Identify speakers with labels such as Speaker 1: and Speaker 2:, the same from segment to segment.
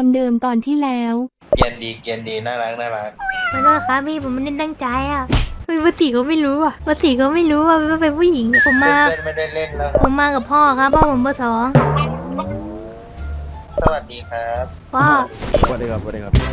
Speaker 1: ความเดิมตอนที่แล้ว
Speaker 2: เกียนดีน่ารัก
Speaker 3: ขอโทษครับพี่ผมไม่ได้ตั้งใจอ่ะปกติก็ไม่รู้อ่ะปกติก็ไม่รู้ว่าเป็นผู้หญิงผมมา
Speaker 2: เพื่อนไม่ได้เล่นแล้ว
Speaker 3: ผมมากับพ่อครับพ่อผมเบอร์สอง
Speaker 2: สวัสดีครับ
Speaker 3: พ่อ
Speaker 4: สวัสดีครับ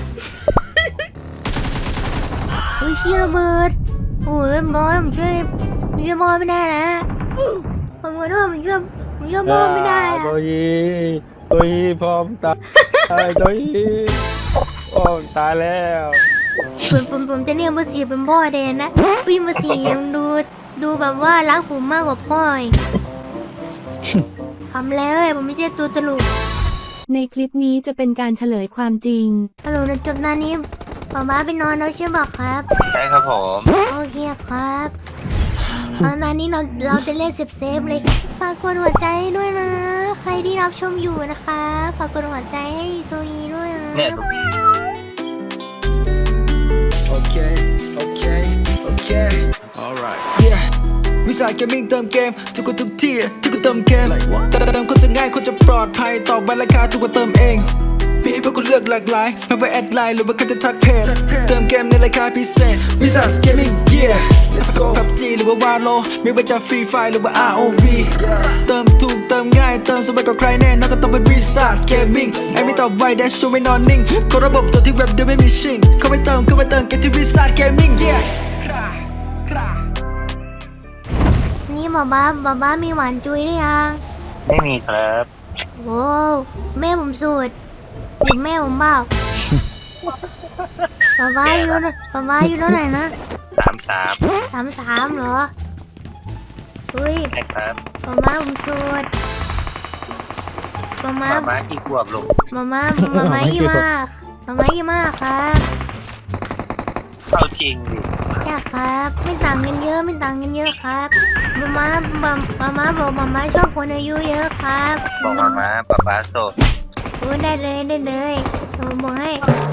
Speaker 3: อุ้ยชี้ระเบิดโอ้ยบอยผมช่วยพ่อไม่ได้นะผมขอโทษผมช่วยพ่อไม่ได้อะ
Speaker 4: ตัวยีพร้อมตายตัวยีโอ้ตายแล้ว
Speaker 3: ผมจะเรียกเบอร์สี่เป็นพ่อแดนนะพี่เบอร์สี่ยังดูแบบว่ารักผมมากกว่าพ่ออีกทำเลยผมไม่ใช่ตัวตลก
Speaker 1: ในคลิปนี้จะเป็นการเฉลยความจริง
Speaker 3: ฮัลโหลจบหน้านี้ป๊าป๊าไปนอนแล้วใช่ไหมครับ
Speaker 2: ใช่ครับผม
Speaker 3: โอเคครับตอนนี้เราจะเล่นเซฟเลยฝากกดหัวใจด้วยนะใครที่รับชมอยู่นะคะฝากกดหัวใจให้โซยีด้วยนะ
Speaker 2: เนี่ย
Speaker 5: โอเค alright yeah วิสาหเกมมิ่งเติมเกมทุกคนทุกที่ทุกคนเติมเกมแต่เติมคนจะง่ายคนจะปลอดภัยตอบไปราคาทุกคนเติมเองมีให้พวกคุณเลือกหลากหลายไม่ว่าแอดไลน์หรือว่าคุณจะทักเพจเติมเกมในราคาพิเศษวิสาหเกมมิ่ง yeah let's go PUBG หรือว่าวาโลไม่ว่าจะฟรีไฟหรือว่า ROV เติมถูกเติมง่ายเติมสบายกว่าใครแน่นอนก็ต้องเป็นวิสาหเกมมิ่งไอ้ไม่ตอบไวแดชชูไม่นอนนิ่งกดระบบตัวที่เว็บเดิมไม่มีชิงเข้าไปเติมกันที่วิสาหเกมมิ่ง yeah
Speaker 3: นี่บ้ามีหวานจุยหรือยัง
Speaker 2: ไม่มีครับ
Speaker 3: โว้แม่ผมสูตรจิบแม่ผมเปล่าบ้าอยู่เท่าไหร่นะ33เหรออุ้ย
Speaker 2: ใช่ครับ
Speaker 3: บ้าผมสูตร
Speaker 2: ม้ากี่ขวบลูก
Speaker 3: บ้ายี่มากครับ
Speaker 2: เอาจริงดิ
Speaker 3: ใช่ครับไม่ต่างกันเยอะครับมาบอกมาชอบคนอายุเยอะครับ
Speaker 2: บอกมาป๊าโสด
Speaker 3: โอ้ได้เลยผมบอกให้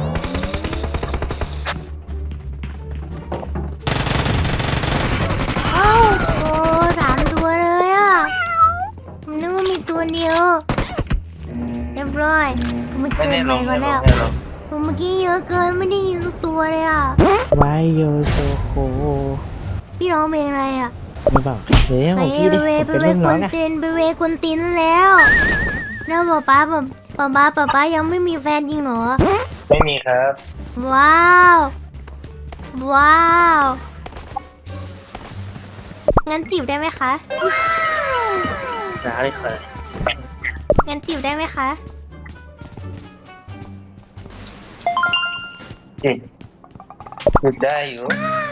Speaker 3: โอ้3 ตัวเลยอ่ะผมนึกว่ามีตัวเดียวเรียบร้อยมันเกินไปก่อนแล้วผมเมื่อกี้เยอะเกินไม่ได้ยินทุกตัวเลยอ่ะ
Speaker 4: ไวโยโซโค
Speaker 3: พี่ร้องเพลงอะไรอ่ะ
Speaker 4: ไม่บอกเฮ้ยของพี่ดิ
Speaker 3: ไปเวควนตินแล้วป๊ายังไม่มีแฟนจริงเหรอ
Speaker 2: ไม่มีครับ
Speaker 3: ว้าวงั้นจีบได้ไหมคะ
Speaker 2: ได้ครับ
Speaker 3: งั้นจีบได้ไหมคะ
Speaker 2: จีบได้อยู่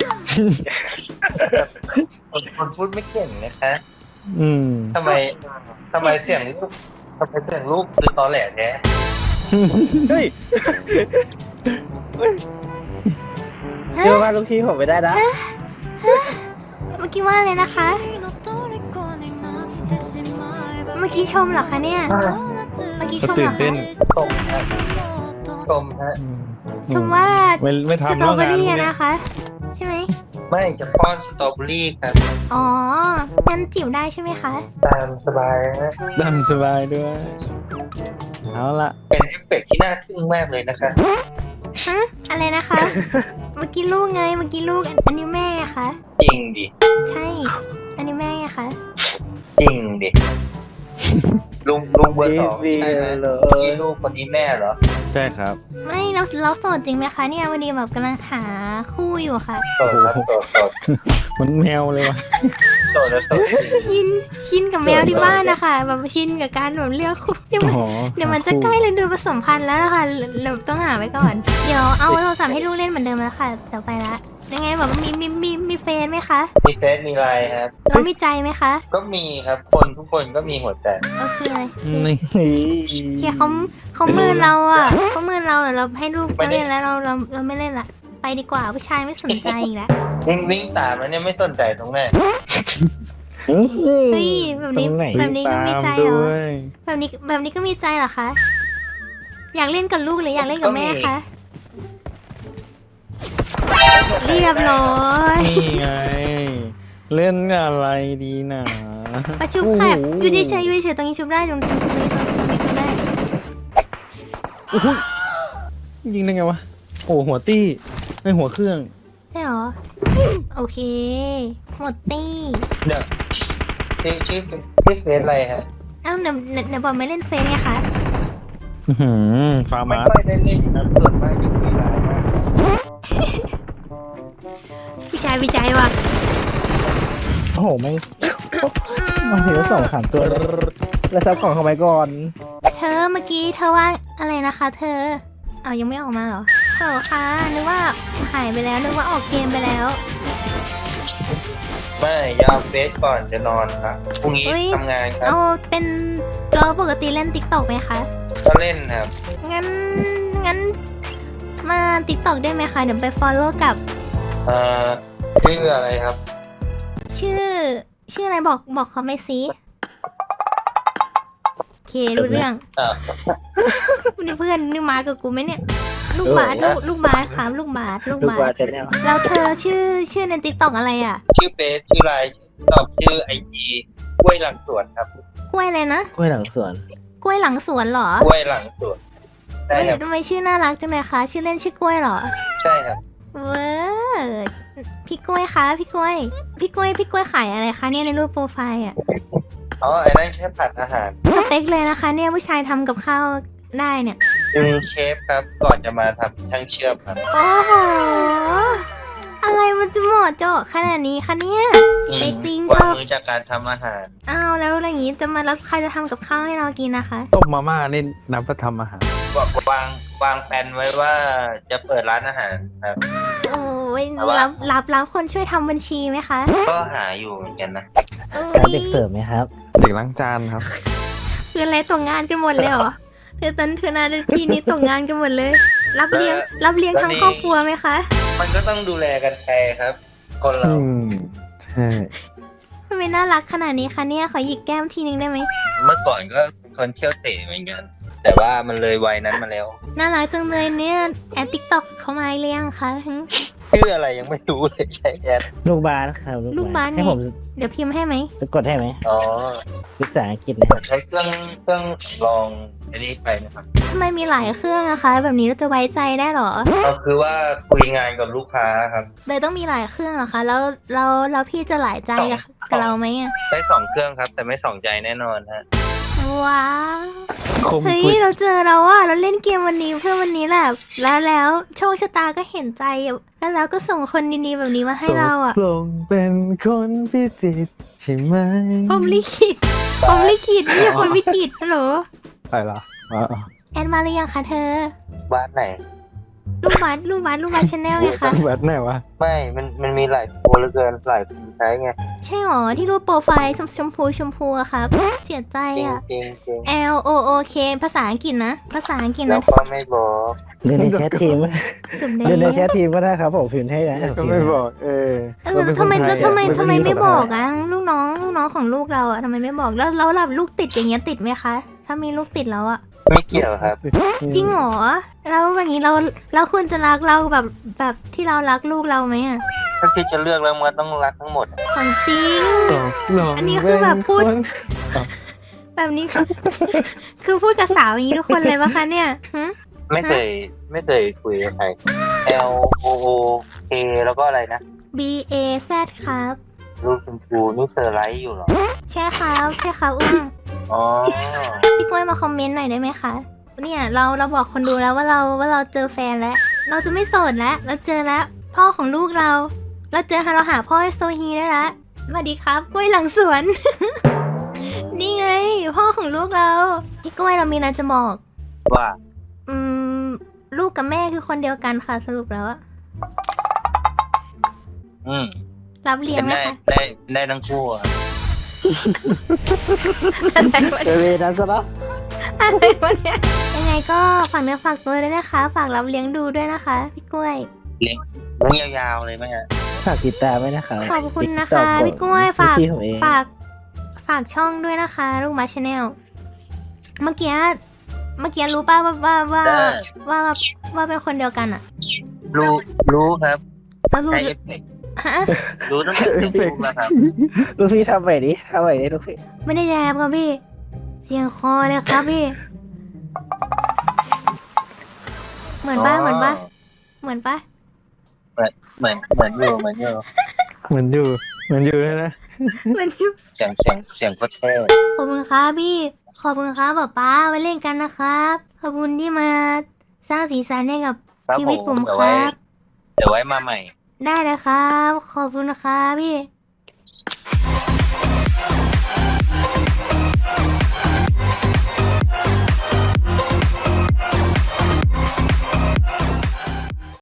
Speaker 2: คนพูดไม่เก่งนะคะทำไมเสียงลูกคือตอแหลแท้
Speaker 4: เฮ้ยเดี๋ยวว่าลูกพี่ผมไม่ได้นะ
Speaker 3: เมื่อกี้ว่าเลยนะคะเมื่อกี้ชมเหรอคะเนี่ยเมื่อกี้ชมเหรอคะชมว่าสตรอเบอรี่นะคะใช่ไหม
Speaker 2: ไม่จะป้อนสตรอเบอรี่ครับ
Speaker 3: อ๋องั้นจิ๋วได้ใช่ไหมคะ
Speaker 2: ตามสบายนะ
Speaker 4: ตามสบายด้วยเอาละ
Speaker 2: เป็นเอฟเฟกต์ที่น่าทึ่งมากเลยนะคะ
Speaker 3: ฮะอะไรนะคะเมื่อกี้ลูกอันนี้แม่คะ
Speaker 2: จริงดิ
Speaker 3: ใช่อันนี้แม่ไงคะ
Speaker 2: จริงดิลุงเบอร์2ใช่ไหมนี่ลูกคนนี้แม่เหรอ
Speaker 4: ใช่ครับ
Speaker 3: ไม่เราโสดจริงไหมคะเนี่ยวันนี้แบบกำลังหาคู่อยู่ค่ะ
Speaker 2: โสดครับโสด
Speaker 4: มันแมวเลยวะ
Speaker 2: โสด
Speaker 3: ชินกับแมวที่บ้านนะคะแบบชินกับการแบบเลือกคู่เดี๋ยวมันจะใกล้ฤดูผสมพันธุ์แล้วนะคะเราต้องหาไว้ก่อนเดี๋ยวเอาโทรศัพท์ให้ลูกเล่นเหมือนเดิมแล้วค่ะเดี๋ยวไปละยังไงแบบมีเฟซไหมคะ
Speaker 2: มีเฟซมีไลน์ครับ
Speaker 3: แล้วมีใจไหมคะ
Speaker 2: ก็มีครับทุกคนก็มีหัวใจ
Speaker 3: โอเคเลยเชียร์เขาเมินเราอ่ะเราให้ลูกเล่นแล้วเราไม่เล่นละไปดีกว่าผู้ชายไม่สนใจอีกแล้ว
Speaker 2: วิ่งตามมันเนี่ยไม่สนใจตรงไหน
Speaker 3: เฮ้ยแบบนี้ก็มีใจเหรอแบบนี้ก็มีใจเหรอคะอยากเล่นกับลูกหรืออยากเล่นกับแม่คะเรียบร้อย
Speaker 4: นี่ไงเล่นอะไรดีนะ
Speaker 3: ประชุบแคบอยู่เฉยตรงนี้ชุบได้ตรงนี้ชุบได้
Speaker 4: ยิงได้ไงวะโอ้หัวตี้ไม่หัวเครื่อง
Speaker 3: ใช่หรอ โอเค หมดตี้
Speaker 2: เดี๋ยวชื่อเฟซอะไรฮะ
Speaker 3: เอ้าเดี๋ยวบอกไม่เล่นเฟซไงคะ
Speaker 4: ฟาร์
Speaker 2: ไม่
Speaker 4: มา
Speaker 2: ค่อยได้เล่นนะส่วนมากจะคุยไลน์มาก
Speaker 3: วิจัยว่ะ
Speaker 6: โอ้โหไม่งมาถึงแล้ว2-3 ตัวแล้วซับของเข้าไปก่อน
Speaker 3: เธอเมื่อกี้เธอว่าอะไรนะคะ เธอเอายังไม่ออกมาเหรอเธอคะนึกว่าหายไปแล้วนึกว่าออกเกมไปแล้ว
Speaker 2: ไม่ยาวเฟซก่อนจะนอนครับพรุ่งนี้
Speaker 3: อุ๊ย
Speaker 2: ทำงานครับ
Speaker 3: เอาเป็นเราปกติเล่นติ๊กต็อกไหมคะ
Speaker 2: ก็เล่นครับ
Speaker 3: งั้นมาติ๊กต็อกได้ไหมคะเดี๋ยวไป follow กับ
Speaker 2: ชื่ออะไรครับ
Speaker 3: ชื่ออะไรบอกเขาไม่ซิโอเครู้เรื่อง นี่เพื่อนนี่มากับกูไหมเนี่ย ลูกบาสลูกบาสครับลูกบาส
Speaker 6: ลูกวาดแนล
Speaker 3: แล้วเธอชื่อในติ๊กต็อกอะไรอ่ะ
Speaker 2: ชื่อเฟซชื่อไลน์ตอบชื่อไอจีกล้วยหลังสวนครับ
Speaker 3: กล้วยอะไรนะ
Speaker 6: กล้วยหลังสวน
Speaker 3: กล้วยหลังสวนเหรอก
Speaker 2: ล้วยหลังสวนใช่
Speaker 3: เฮ้ย
Speaker 2: ครับ
Speaker 3: ทำไมชื่อน่ารักจังเลยคะชื่อเล่นชื่อกล้วยเหรอ
Speaker 2: ใช่ครับ
Speaker 3: เว้อพี่กล้วยคะพี่กล้วยขายอะไรคะเนี่ยในรูปโปรไฟล์อ่ะ
Speaker 2: อ๋อไอ้นั่นแค่ผัดอาหาร
Speaker 3: สเปคเลยนะคะเนี่ยผู้ชายทำกับข้าวได้เนี่ย
Speaker 2: เป็นเชฟครับก่อนจะมาทำช่างเชื่อมครับ
Speaker 3: โอ้โห อะไรมันจะเหมาะเจาะขนาดนี้คะเนี่ยสเปคจริงช
Speaker 2: วาง
Speaker 3: อบ
Speaker 2: มือจากการทำอาหาร
Speaker 3: อ้าวแล้วอะไรอย่างงี้จะมาแล้วใครจะทำกับข้าวให้เรากินนะคะ
Speaker 4: ต้มมาม่านี่นับว่าทำอาหาร
Speaker 2: วางแผนไว้ว่าจะเปิดร้านอาหารครับ
Speaker 3: โอ้ย
Speaker 2: แต่ว่า
Speaker 3: รับคนช่วยทำบัญชีไหมคะ
Speaker 2: ก็หาอยู่เหมือนกันนะ
Speaker 3: เอ้
Speaker 6: การ
Speaker 3: ย
Speaker 6: เด็กเสิร์ฟไหมครับ
Speaker 4: เด็กล้างจานครับ
Speaker 3: คืออะไรตกงานกันหมดเลยเหรอเธอนาพี่นี้ตกงานกันหมดเลย รับเลี้ยงทั้งครอบครัวไหมคะ
Speaker 2: มันก็ต้องดูแลกันไปครับ คนเรา
Speaker 4: ใช่
Speaker 3: ทำไมน่ารักขนาดนี้คะเนี่ยขอหยิกแก้มทีนึงได้ไหม
Speaker 2: เมื่อก่อนก็เป็นคนเที่ยวเตะเหมือนกัน แต่ว่ามันเลยวัยนั้นมาแล้ว
Speaker 3: น่ารักจังเลยเนี่ยแอดติ๊กต็อกเขามาเรียงคะ
Speaker 2: ชื่ออะไรยังไม่รู้เลยใช่แอด
Speaker 6: ลูกบาสครับ
Speaker 3: ลูกบาส
Speaker 6: ให้ผม
Speaker 3: เดี๋ยวพิมพ์ให้ไหม
Speaker 6: จะกดให้ไหม
Speaker 2: อ๋อ
Speaker 6: ภาษาอังกฤษนะครับ
Speaker 2: ใช้เครื่องสำรองอันนี้ไปนะครับ
Speaker 3: ทำไมมีหลายเครื่องอะคะ แบบนี้เราจะไว้ใจได้เหรอ
Speaker 2: ก็คือว่าคุยงานกับลูกค้าครับ
Speaker 3: เลยต้องมีหลายเครื่องเหรอคะ แล้วพี่จะหลายใจกับเราไหมอะ
Speaker 2: ใช้2 เครื่องครับ แต่ไม่2 ใจแน่นอนฮะ
Speaker 3: ว้าว
Speaker 4: คม
Speaker 3: เฮ้ย
Speaker 4: กุด
Speaker 3: เราเจอเราอะเราเล่นเกมวันนี้เพื่อวันนี้แหละแล้วโชคชะตาก็เห็นใจอะแล้วก็ส่งคนดีๆแบบนี้มาให้เราอะ
Speaker 4: ตกลงเป็นคนพิจิตรใช่ไหม
Speaker 3: ผมลิขิตไม่ใช่คนวิจิตรฮัลโหล
Speaker 4: ไปละอ๋อ
Speaker 3: แอดมาหรือยังคะเธอ
Speaker 2: บ้านไหน
Speaker 3: ลูกบาสชาแนลไงคะ
Speaker 4: แบทไหนวะ
Speaker 2: ไม่ มันมีหลายตัวเหลือเกินหลายคนใช้ไง
Speaker 3: ใช่หรอที่รูปโปรไฟล์ชมพูอะครับ เสียใจ
Speaker 2: จริง
Speaker 3: อะ
Speaker 2: จริงจริง
Speaker 3: L O O K ภาษาอังกฤษนะ ภาษาอังกฤษ
Speaker 2: แล้ว
Speaker 3: นะ
Speaker 2: ก็ไม่บอก
Speaker 6: เดินในแชททีม
Speaker 3: จุดแด
Speaker 6: เดินใน
Speaker 3: ง
Speaker 6: แชททีมก็ได้ครับผมพิมพ์ให้นะ
Speaker 4: ก็ไม่บอก
Speaker 3: ทำไมไม่บอกอะลูกน้องของลูกเราอะทำไมไม่บอกแล้วแบบลูกติดอย่างเงี้ยติดไหมคะ ถ้ามีลูกติดแล้วอะ
Speaker 2: ไม่เกี่ยวครับ
Speaker 3: จริงเหรอแล้วอย่างนี้เราควรจะรักเราแบบที่เรารักลูกเราไหมอะ
Speaker 2: ถ้าพี่จะเลือกแล้วมันต้องรักทั้งหมด
Speaker 3: ของจริง
Speaker 4: ตกลง
Speaker 3: อันนี้คือแบบพูด
Speaker 4: เป็นคน
Speaker 3: แบบนี้คือพูดกับสาวอย่างนี้ทุกคนเลยปะคะเนี่ยหึ
Speaker 2: ไม่เคยคุยกับใคร L O O K แล้วก็อะไรนะ
Speaker 3: B A Z ครับ
Speaker 2: รูปชมพูนี่เซอร์ไลท์อยู่เหรอ
Speaker 3: ใช่ครับอ้วง
Speaker 2: อ๋อ
Speaker 3: พี่กล้วยมาคอมเมนต์หน่อยได้ไหมคะ เนี่ยเราบอกคนดูแล้วว่าเราเจอแฟนแล้ว เราจะไม่โสดแล้วเราเจอแล้ว พ่อของลูกเราเราหาพ่อให้โซฮีได้แล้วสวัสดีครับกล้วยหลังสวน นี่ไง พ่อของลูกเราพี่กล้วยเรามีอะไรจะบอก
Speaker 2: ว่า
Speaker 3: ลูกกับแม่คือคนเดียวกันค่ะสรุปแล้วอะ
Speaker 2: อืม
Speaker 3: รับเลี้ยงไหมคะ
Speaker 2: ได้ทั้งคู่อะ
Speaker 6: เอเวนั้นซะแล้ว
Speaker 3: อะไรวะเนี่ยยังไงก็ฝากเนื้อฝากตัวด้วยนะคะ ฝากรับเลี้ยงดูด้วยนะคะพี่กล้วย
Speaker 2: เลี้ยงยาวๆเลยไหมฮะ
Speaker 6: ฝากติดตามไว้นะครับ
Speaker 3: ขอบคุณนะคะ
Speaker 6: TikTok
Speaker 3: พี่กล้วยฝาก
Speaker 6: พี่ผมเอง
Speaker 3: ฝากช่องด้วยนะคะ ลูกมาชาแนลเมื่อกี้รู้ป่ะว่าเป็นคนเดียวกันอะ
Speaker 2: รู้ครับ
Speaker 3: แล้วรู้
Speaker 2: ใช้เอฟเฟกต์
Speaker 3: ฮะ
Speaker 2: รู้ตั้งแต่ที่ดูแล้วครับ
Speaker 6: ลูกพี่ทำใหม่ดิลูกพี่
Speaker 3: ไม่ได้แยบครับพี่ เสียงคอเลยครับพี่เหมือนปะเหมือนปะเหมือนปะ
Speaker 2: เหมือนอยู่
Speaker 4: เหมือนอยู่เลยนะ
Speaker 3: เหมือนอยู่
Speaker 2: เสียงโคตรเท่
Speaker 3: ขอบคุณครับพี่ขอบคุณครับป๊าไว้เล่นกันนะครับขอบคุณที่มาสร้างสีสันให้กับชีวิตผมครับ
Speaker 2: เดี๋ยวไว้มาใหม่
Speaker 3: ได้เลยครับขอบคุณนะครับพี่